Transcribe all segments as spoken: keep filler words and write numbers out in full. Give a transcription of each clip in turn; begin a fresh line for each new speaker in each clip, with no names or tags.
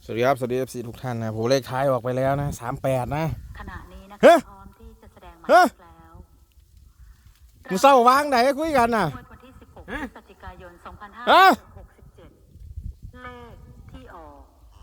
สวัสดีครับสวัสดีเอฟซีทุกท่านนะผมเลขท้ายออกไปแล้วนะสามแปดนะ
ขณะนี้นะคะพร้อมที่จะแสดงหมายเลขแล้ว
มึงเศร้าวางไหนคุยกันน่ะ
วันที่สิบหกพฤศจิกายนสองพันห้าร้
ฮะ
อยหกสิบเจ็ดเลขที่ออก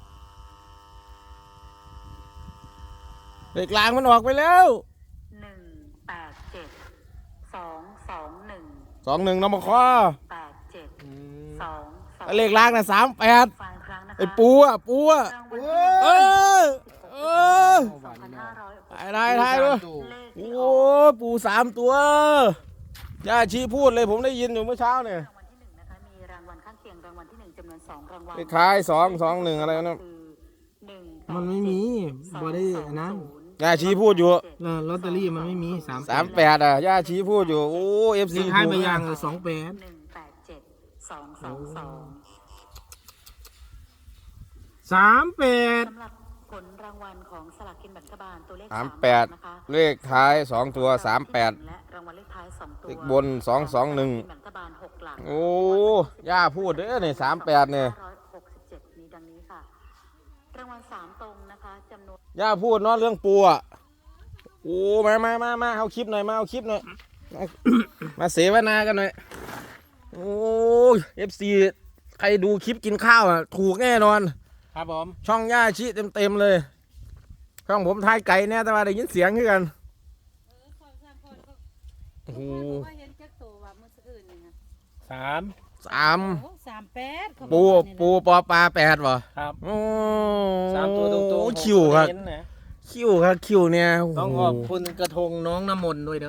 เลขกลางมันออกไปแล้ว
หนึ่งแปดเจ็ดสองสองหนึ่ง
สองหนึ่งนมคอ
แปดเจ็ดสองสอง
เลขล่างน่ะสามแปด
ฟังครั้งนะคะ
ไอ้ปูอ่ะปูอ่ะเออเออ
สองพันห้าร้อยหกสิบ
ถ่ายถ่ายถ่ายด้วยโอ้ปูสามตัวย่าชีพูดเลยผมได้ยินอยู่เมื่อเช้าเนี่ย
รางวัลที่หนึ่งนะคะมีรางวัลข้างเคียงรางวัลที่หนึ่งจำนวนสองรางวัล
เลขท้ายสองสองหนึ่งอะไรนะ
มันไม่มีบ่ได้อันนั้น
ย่าชีพูดอยู่
ลอตเตอรี่มันไม่มีสาม
สามแปดอ่ะย่าชีพูดอยู่โอ้เอฟซี
ให้ไปยังสองแปด
หนึ่งแปดเจ็ดสองสองสอง
สามแปด
สำหรับผลรางวัลของสลากกินแบ่งรัฐบาลตัวเลข
สามแปดเลขท้ายสองตัวสามแปด
และรางวัลเลขท้ายสองตัว
เลขบนสองสองหนึ่ง
แบ่งรัฐบาลหกหลัก
โอ้ย่าพูดเด้อเนี่ยสามแปดเนี่ย
ร้อยหกสิบเจ็ดมีดังนี้ค่ะรางวัลสามตรงนะคะจำนวน
ย่าพูดเนาะเรื่องปูอ่ะโอ้มามามามาเอาคลิปหน่อยมาเอาคลิปหน่อยมาเสวนากันหน่อยโอ้เอฟซีใครดูคลิปกินข้าวอ่ะถูกแน่นอน
ครับผม
ช่องย่าชี้เต็มเต็มเลยช่องผมทายไก่เนี่ยแต่ว่าได้ยินเสียงขึ้นกันโอ้โห
สาม
สาม
สามแปด
ปูปูปอปลาแปดวะ
ครับ
โอ้
สามตัวตรง
ๆคิวครับคิวครับคิวเนี่ย
ต้องขอบคุณกระทงน้องน้ำมนต์ด้วยเด้อ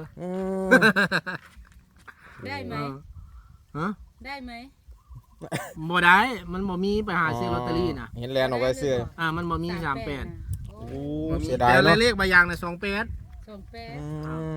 ได้ไหม
ฮะ
ได้ไหม
บ่ได้มันบ่มีไปหาซื้อลอตเตอรี่นะ
เห็นแลนออกไปซื้อ
อ่ามันบ่มีสามแปด
โอ้เสียดาย
เนาะ
เนาะ
เลขใบยางนะสองแปด
สองแปด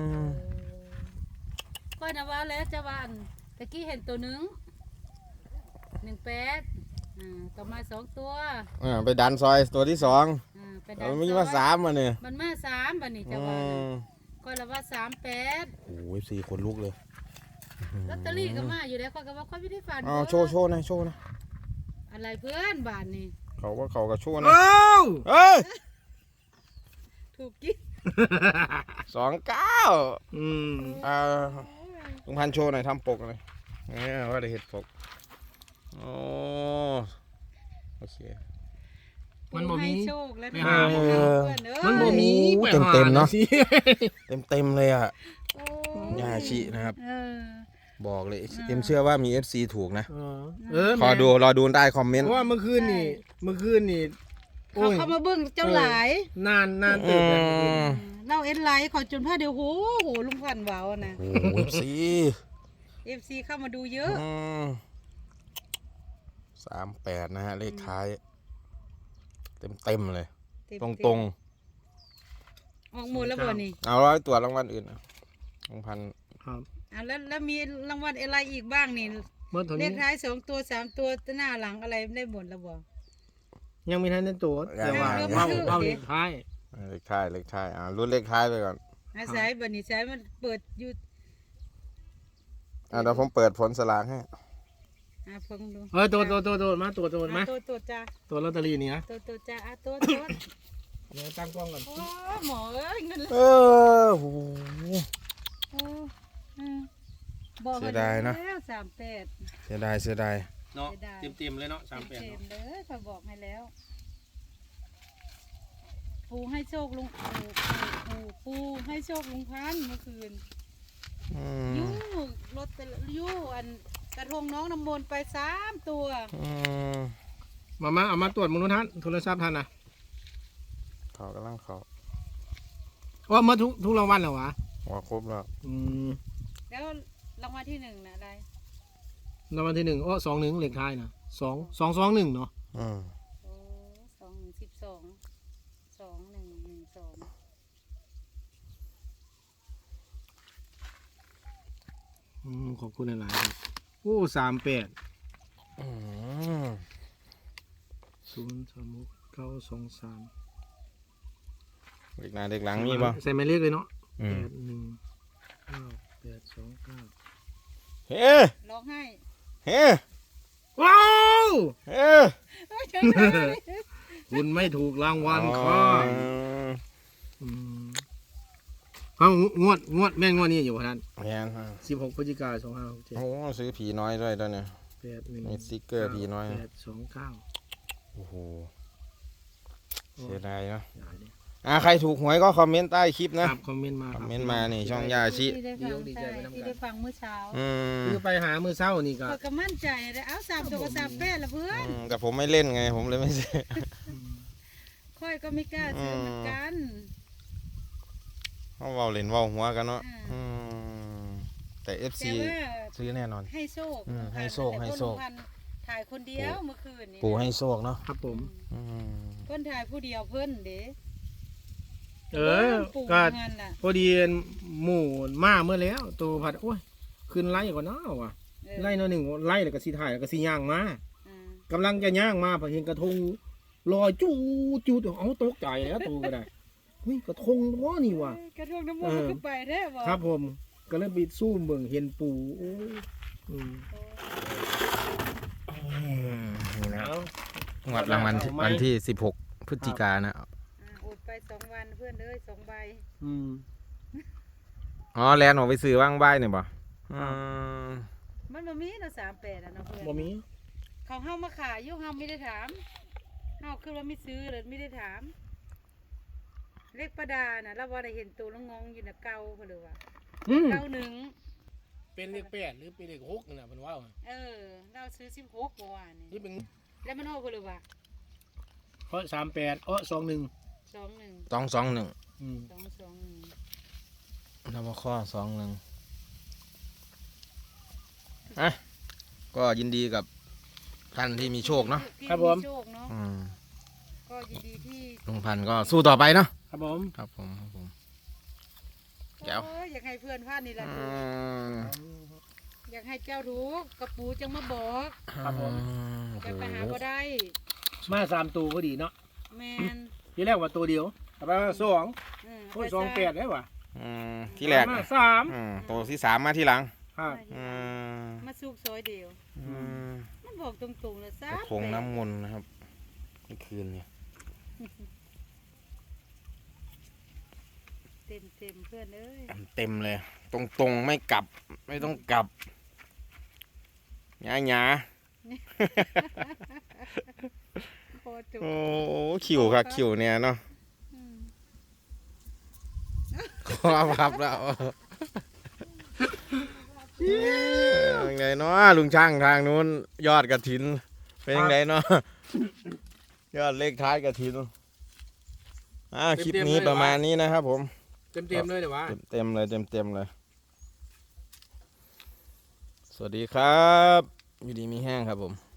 ก็นะว่าแล้วจะวันตะกี้เห็นตัวหนึ่งหนึ่งแปดอ่าต่อมาสองตัว
อ่าไปดันซอยตัวที่สอง
อ่าไปดัน
มันมีมาสามมาเนี่ย
มันมาสามบันนี้จะว่าก็ละว่าสามแปด
โอ้ยสี่คนลุกเลย
ลอตเตอรี่ก็มาอยู่แล้วก็ว่าเขาไม่ได้ฝัน
อ๋อโชว์โชว์นะโชว์นะ
อะไรเพื่อนบ้านนี่
เขาว่าเขาก็โชว์นะ
เ
อ้ย
ถูกกิ๊ก
สองเก้า
อืม
อ่าลุงพันโชว์หน่อยทำปกหน่อยเนี่ยว่าได้เห็ดปกโอ้โอเค
มันบ่มี
โชคแล้ว
มันบ่มี
เต็มเต็มเนาะเต็มเต็มเลยอ่ะยาชินะครับบอกเลยเอ็มเชื่อว่ามี เอฟ ซี ถูกนะขอดูรอดูได้คอมเมนต์
ว่าเมื่อคืนนี่เมื่อคืนนี่
เขาเข้ามาเบิ้งเจ้าหลาย
นานนานตื่น
เล่าเอ็นไลท์เขาจนผ้าเดียวโหโหลุงพันว้าวนะ
โอ้เอฟซี
เอฟซีเข้ามาดูเยอะ
สามแปดนะฮะเลขท้ายเต็มเต็มเลยตรงตรง
ออกหมดแล้วบ่นี่
เอาร้อยตัวรางวัลอื่นลุงพัน
ครับ
อ่าแล้วแล้วมีรางวัลอะไรอีกบ้างนี่เลขท้ายสองตัวสามตัวหน้าหลังอะไรได้หมดแล้วบ่
ยังมีท่านในตัวแต่ว่าเอาเอาเลขท้าย
เลขท้ายเลขท้ายอ่ารุ่นเลขท้ายไปก่อน
อาศัยบันนี้ใช้มันเปิดอยู่
อ่าเดี๋ยวผมเปิดผลสลากให้
อ่าฟังดู
เออตัวตัวตัวตัวมาตัวตัวมา
ตัวตัวจ้า
ตัวลอตเตอรี่นี่นะ
ตัวตัวจ้าอ่ะตัวตัว
เดี๋ยวตั้งกล้องก่อน
โอ้หมอเอ้ยเงิน
เออโหเสียดายนะ
สามแปด
เสียดายเสียดาย
เนาะเต็มเต็มเลยเนาะสามแปด
เต็มเลยเขาบอกให้แล้วปูให้โชคลุงปูปูปูให้โชคลุงพันเมื่อคืนยู่รถไปยู่อันกระทงน้องน้ำมนต์ไปสามตัว
มามาเอามาตรวจมนุษย์ท่านโทรศัพท์ท่านนะ
เขากำลังเขา
ว่ามาทุกทุกรางวัลเหรอวะ
ว่าครบแล้ว
อืม
แล้วรางวัลที่หนึ่งนะอะไร
รางวัลที่หนึ่งโอ้สองหนึ่งเลขท้ายนะสองสองสองหนึ่งเนาะ
อืม
โอ้สองหนึ่งสิบสองสองหนึ่งหนึ่งสอง
อืมขอบคุณหลายๆครับโอ้สามแปดศูนย์สามหกเก้าสองสาม
เด็กหน้าเด็กหลังมีป่ะ
ใส่หมายเลขเลยเนาะแปดหนึ่งเก้าแปดสองเก้า
เฮ้
ร้องไห้
เฮ้
ว้าว
เฮ้
คุณไม่ถูกรางวัล
อ๋อ
ค่ะมเขางวดงวดแม่งงวดนี้อยู่พนัน
แม่น
สิบหกพฤศจิกายนสองห้าหกเจ็ด
โอ้ซื้อผีน้อยด้วยตอนเนี้ย
แปดหนึ่ง
มีสติ๊กเกอร์ผีน้อย
แปดสองเก้า
โอ้โหเสียดายเนาะ
อย่าเลย
อ่าใครถูกหวยก็คอมเมนต์ใต้คลิป
ค
นะ
รับคอมเมนต์มา
ค
ค
อ
รั
ม
บ
เมนต์มานี่ช่องยาชิ
ที่ได้ฟังใช่ที่ได้ฟังเมื่อเช้า
อืม
คือไปหามือเศร้านี่ก็
เปิดก็มั่นใจเลยเอาสามตัวกับสามแปดละเพื่อน
อืมแต่ผมไม่เล่นไง ผมเลยไม่ซื้อ
ค่อยก็ไม่กล้าซื้อเหมือนกัน
เขาเว้าเล่นเว้าหัวกันเนาะ
อ่า
อืมแต่เอฟ
แต่
ซี
ว่า
ซื้อแน่นอน
ให้โชค
อืมให้โชค
แต่
ให้โชค
ลุงพันธุ์ถ่ายคนเดียวเมื่อคืนนี้
ปู่ให้โชคเนาะ
ครับผม
อืม
เพิ่นถ่ายผู้เดียวเพิ่นเด้
เออ
ปู่
ก็
งานน่ะ
พอดีหมู่มาเมื่อแล้วตัวผัดโอ้ยขึ้นไล่ก่อนเนาะว่ะ
เออ
ไล่หนอยหนึ่งไล่แล้วก็สีถ่ายแล้วก็สีย่างมา
อ่า
กำลังจะย่างมาพอเห็นกระทงลอยจู้จู้เอาตกใจแล้วตัวก็ได้เฮ้ยกระทงว่านี่ว่ะ
กระทงน้ำมันต์มันก็ไปแท้บ่
ครับผมก็เลยไปสู้เบิ่งเห็นปูโอ้ยอืม
นี่นะ
เอา
งวดรางวัลที่วันที่สิบหกพฤศจิกายนนะ
อ่าอดไปสองวันเพื่อนเอ้ยสองใบ
อืม
อ๋อแลนออกไปซื้อว่างใบเนี่ยบ่อืม
มันบ่มีเนาะสามแปดอ่ะเนาะเพื่อน
บ่มี
เขาเฮามาขายอยู่เฮาไม่ได้ถามเฮาคือว่าไม่ซื้อเลยไม่ได้ถาม เลขประดาน่ะเราบ่ได้เห็นตัวแล้วงงอยู่น่ะเก่าเพิ่นเลยว่า
อืม
เก่าหนึ่ง
เป็นเลขแปดหรือเป็นเลขหกนี่นะเพิ่นว่า
เออ เราซื้อสิบหกเมื่อวาน
นี่
นี่
เป็น
แล้วมันโอ้เพิ่นเลยว่า
เพราะสามแปดเออสองหนึ่ง
สองหนึ่ง
สองสองหนึ่ง
อืม
สองสองหนึ่ง
แล้วมาข้อสองหนึ่งอ่ะก็ยินดีกับท่านที่มีโชคเนาะ
ที่มีโชคเนาะ
อืม
ก็ยินดีที่
ลุงพันธุ์ก็สู้ต่อไปเนาะ
ครับผม
ครับผมครับผม แก้ว
โอ้ยอยากให้เพื่อนพลาดนี่ล่ะ
อืม
อยากให้เจ้ารู้กระปูจังมาบอก
ครับผม
โอ้
จะ
โห
ไปหาบ่ได้
มาสามตัวก็ดีเนาะ
แมน
ทีแรกว่าตัวเดียวแต่ไปว่าสอง
เออ
โอ้ยสองแปดได้ว่ะ
อืมที่แรก
มาสาม
อืมตัวที่สามมาที่หลัง
ครับ
อืม
มาสูบซอยเดียว
อืม
มันบอกตรงๆเลยซะ
กระทงน้ำมนต์นะครับเมื่อคืนเนี่ย
เต็มเต็มๆเพื่อนเอ้ย
เต็มเลย ตรงตรงๆไม่กลับ ไม่ต้องกลับหยาหยา
พอจุก
โอ้ขิวครับขิวเนี่ยเนาะ
อืม
ขอพับแล้วยังไงเนาะลุงช่างทางนู้นยอดกระถิน เป็นยังไงเนาะยอดเลขท้ายกระถินอ่าคลิปนี้ประมาณนี้นะครับผม
เต็มเต็มๆเลยเดี๋ยววะ
เต็มเต็มๆเลยเต็มเต็มๆเลย สวัสดีครับ อยู่ดีมีแห้งครับผม